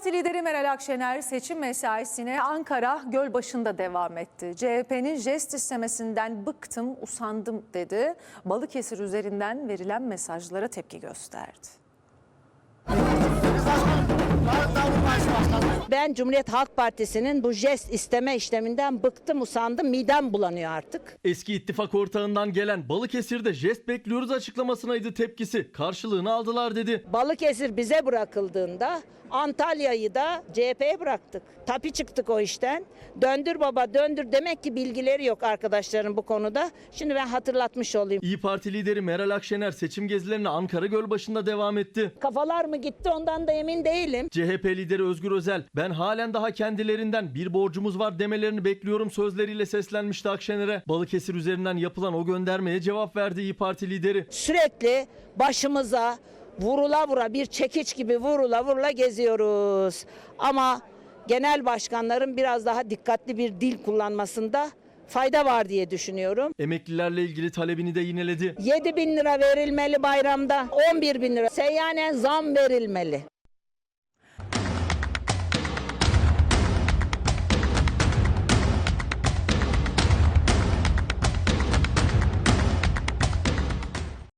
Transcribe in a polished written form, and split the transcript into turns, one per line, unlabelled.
Parti lideri Meral Akşener seçim mesaisine Ankara Gölbaşı'nda devam etti. CHP'nin jest istemesinden bıktım, usandım dedi. Balıkesir üzerinden verilen mesajlara tepki gösterdi.
Ben Cumhuriyet Halk Partisi'nin bu jest isteme işleminden bıktım, usandım, midem bulanıyor artık.
Eski ittifak ortağından gelen Balıkesir'de jest bekliyoruz açıklamasınaydı tepkisi. Karşılığını aldılar dedi.
Balıkesir bize bırakıldığında Antalya'yı da CHP'ye bıraktık. Tapi çıktık o işten. Döndür baba döndür, demek ki bilgileri yok arkadaşların bu konuda. Şimdi ben hatırlatmış olayım.
İYİ Parti lideri Meral Akşener seçim gezilerine Ankara Gölbaşı'nda devam etti.
Kafalar mı gitti ondan da emin değilim.
CHP lideri Özgür Özel, ben halen daha kendilerinden bir borcumuz var demelerini bekliyorum sözleriyle seslenmişti Akşener'e. Balıkesir üzerinden yapılan o göndermeye cevap verdi İYİ Parti lideri.
Sürekli başımıza vurula vura, bir çekiç gibi vurula vurula geziyoruz. Ama genel başkanların biraz daha dikkatli bir dil kullanmasında fayda var diye düşünüyorum.
Emeklilerle ilgili talebini de yineledi.
7.000 lira verilmeli bayramda, 11.000 lira. Seyyanen zam verilmeli.